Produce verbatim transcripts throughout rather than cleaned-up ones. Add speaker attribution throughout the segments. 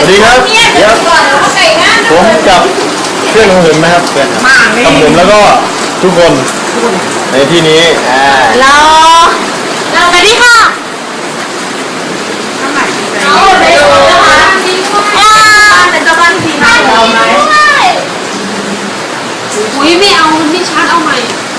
Speaker 1: วัสดีครับเดี๋ยวผมกับเพื่อนของผมนะครับเพื่อนกับผมแล้วก็ทุกคนในที่นี้อ่า
Speaker 2: เราเราสวัสดีค่ะเอาไปดูนะคะเป็นเจ้าบ้านที่ดีมากเราไหมอุ้ยไม่เอาไม่ชัดเอาใหม่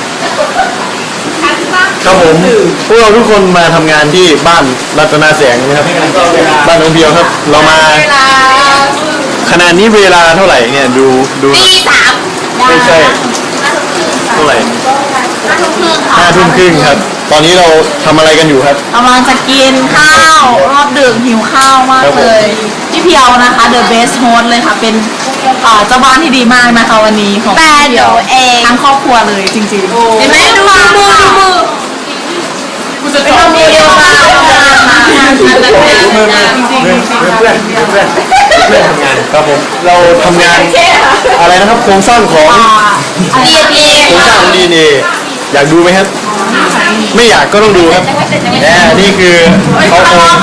Speaker 1: ครับผมพวกเราทุกคนมาทำงานที่บ้านรัตนาแสงนะครับบ้านน้องเบียวครับเรามาขณะนี้เวลาเท่าไหร่เนี่ยดูดู
Speaker 2: ตีสาม
Speaker 1: ไม่ใช่เท่าไหร่ห้าทุ่มครึ่งครับตอนนี้เราทำอะไรกันอยู่ครับ
Speaker 2: กำลังจะกินข้าวรอบดึกหิวข้าวมากเลยพี่เพียวนะคะ The Best Host เลยค่ะเป็นเจ้าบ้านที่ดีมากนะคะวันนี้ของพี่เพียวเองทั้งครอบครัวเลยจริงๆเห็นไหมดูมือดูมือกูจะจบมือเดียวกันจริงๆเพื่อนเพื่อน
Speaker 1: เพื่อนเพื่อนเพื่อนทำงานครับผมเราทำงานอะไรนะครับโครงสร้างของ
Speaker 2: ดี เอ็น เอ
Speaker 1: โครงสร้างของ ดี เอ็น เอ อยากดูไหมครับไม่อยากก็ต้องดูครับแน่นี่คือเขาโครง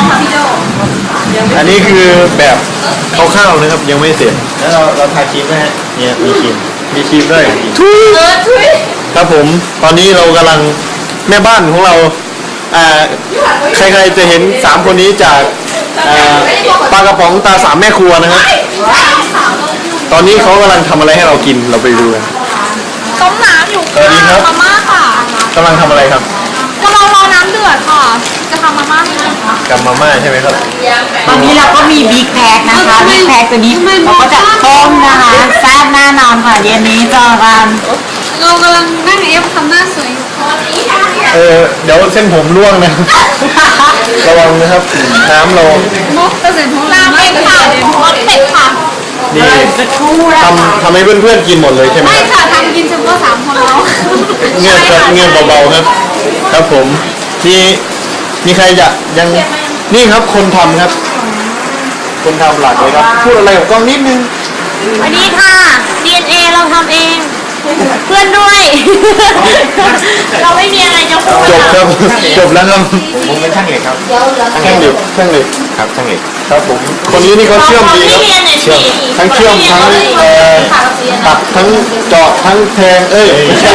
Speaker 1: อันนี้คือแบบคร่าวๆนะครับยังไม่เสร็จแล้วเราเราทาครีมนะฮะเนี่ยมีครีมมีครีมด้วยครับผมตอนนี้เรากำลังแม่บ้านของเราอ่าใครๆจะเห็นสามคนนี้จากปลากระป๋องตาสามแม่ครัวนะครับตอนนี้เขากำลังทำอะไรให้เรากินเราไปดูกัน
Speaker 2: ต้มน้ำอยู่ค่ะมาม่าค่ะ
Speaker 1: กำลังทำอะไรครับ
Speaker 2: กำลังรอน้ำเดือดค่ะจะทำมาม่าให้ค่ะ
Speaker 1: กับมาม่าใช่ไหมครับ
Speaker 2: ตอนนี้เราก็มีบิ๊กแพ็คนะคะบิ๊กแพ็คตัวนี้เราก็จะต้มนะคะแซ่บแน่นอนค่ะเย็นนี้เจอกันเรากำลังนั่งเอฟทำหน้าสวยอยู่
Speaker 1: เออเดี๋ยวเส้นผมร่วงนะระวังนะครับน้ำเรา
Speaker 2: มุกกระสุนน้ำเป็ดค่ะมุกเป็ดค่ะ
Speaker 1: นี่ทำทำให้เพื่อนๆกินหมดเลยใช่ไหม
Speaker 2: ไม่ค่ะทำกินเฉพาะสามคนเรา
Speaker 1: เงียบเงียบเบาๆครับครับผมที่มีใครจะยังนี่ครับคนทำครับคนทำหลักเลยครับพูดอะไรกับกล้องนิดนึง
Speaker 2: สวัสดีค่ะ ดี เอ็น เอ เราทำเองเพื่อนด้วยเราไม่มีอะไรจะพูด
Speaker 1: จบครับจบแล้วครับ
Speaker 3: ผมเป็นช่างเหล็กครับ
Speaker 1: ช่างเหล็กช่างเหล็ก
Speaker 3: ครับช่างเหล็ก
Speaker 1: ครับผมคนนี้นี่เขาเชื่อมดีครับเชื่อมทั้งเชื่อมทั้งเอ่อตัดทั้งเจาะทั้งแทงเอ้ยไม่ใช่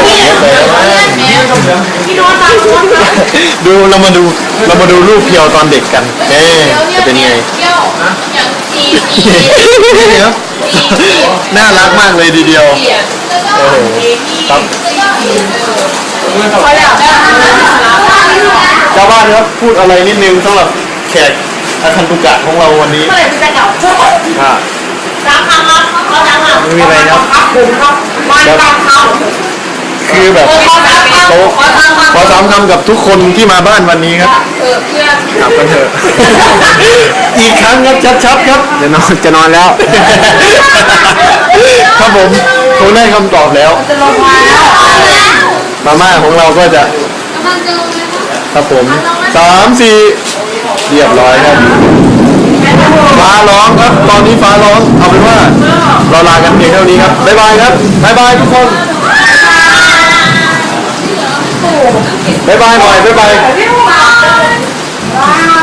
Speaker 1: ดูเรามาดูเรามาดูรูปเพียวตอนเด็กกันเอ๊จะเป็นไงนี่ครับน่ารักมากเลยทีเดียวโอ้โหครับเจ้าบ้านครับพูดอะไรนิดนึงสำหรับแขกอาคันตุกะของเราวันนี้อ่าไม่มีอะไรครับคือแบบเขาขอสามคำกับทุกคนที่มาบ้านวันนี้ครับกลับกันเถอะอีกครั้งครับชัดๆครับจะนอนจะนอนแล้วครับผมคงได้คำตอบแล้วมาม่าของเราก็จะครับผมสามสี่เรียบร้อยครับฟ้าร้องครับตอนนี้ฟ้าร้องเอาเป็นว่าเราลากันเพียงเท่านี้ครับบ๊ายบายครับบ๊ายบายทุกคนบ๊ายบายหน่อยบ๊ายบาย